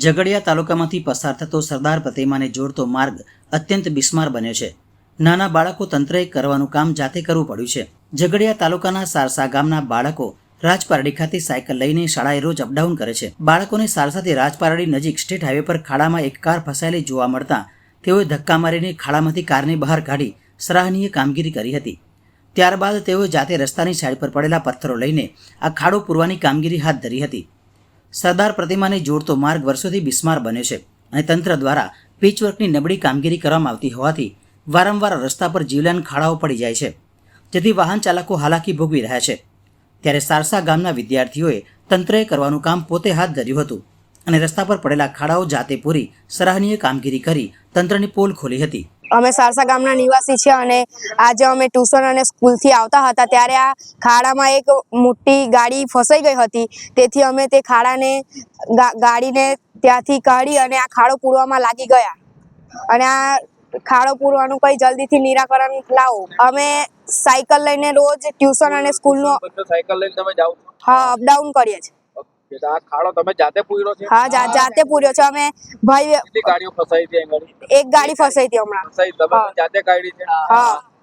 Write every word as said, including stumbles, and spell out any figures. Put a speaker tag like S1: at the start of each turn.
S1: ઝઘડિયા તાલુકામાંથી પસાર થતો સરદાર પ્રતિમાને જોડતો માર્ગ અત્યંત બિસ્માર બન્યો છે. નાના બાળકો તંત્રએ કરવાનું કામ જાતે કરવું પડ્યું છે. ઝઘડિયા તાલુકાના સારસા ગામના બાળકો રાજપારડી ખાતે સાયકલ લઈને શાળાએ રોજ અપડાઉન કરે છે. બાળકોને સારસાથી રાજપારડી નજીક સ્ટેટ હાઈવે પર ખાડામાં એક કાર ફસાયેલી જોવા મળતા તેઓએ ધક્કા મારીને ખાડામાંથી કારને બહાર કાઢી સરાહનીય કામગીરી કરી હતી. ત્યારબાદ તેઓએ જાતે રસ્તાની સાઈડ પર પડેલા પથ્થરો લઈને આ ખાડો પૂરવાની કામગીરી હાથ ધરી હતી. સરદાર પ્રતિમાને જોડતો માર્ગ વર્ષોથી બિસ્માર બન્યો છે અને તંત્ર દ્વારા પીચવર્કની નબળી કામગીરી કરવામાં આવતી હોવાથી વારંવાર રસ્તા પર જીવલેણ ખાડાઓ પડી જાય છે, જેથી વાહન ચાલકો હાલાકી ભોગવી રહ્યા છે. ત્યારે સારસા ગામના વિદ્યાર્થીઓએ તંત્રએ કરવાનું કામ પોતે હાથ ધર્યું હતું અને રસ્તા પર પડેલા ખાડાઓ જાતે પૂરી સરાહનીય કામગીરી કરી તંત્રની પોલ ખોલી હતી.
S2: અમે સારસા ગામના નિવાસી છીએ અને આજે અમે ટ્યુશન અને સ્કૂલથી આવતા હતા ત્યારે આ ખાડામાં એક મોટી ગાડી ફસાઈ ગઈ હતી. તેથી અમે તે ખાડાને ગાડીને ત્યાંથી કાઢી અને આ ખાડો પૂરવામાં લાગી ગયા અને આ ખાડો પૂરવાનું કઈ જલ્દીથી નિરાકરણ લાવો. અમે સાયકલ લઈને રોજ ટ્યુશન અને સ્કૂલનો
S3: સાયકલ લઈને તમે જાઓ છો?
S2: હા, અપડાઉન કરીએ છીએ.
S3: આ ખાડો તમે જાતે પૂર્યો છે?
S2: હા, જાતે પૂર્યો છે. અમે ભાઈ
S3: કેટલી ગાડીઓ ફસાઈ હતી?
S2: એક ગાડી ફસાઈ હતી હમણાં.
S3: ફસાઈ તમે જાતે કાઢી છે?
S2: હા.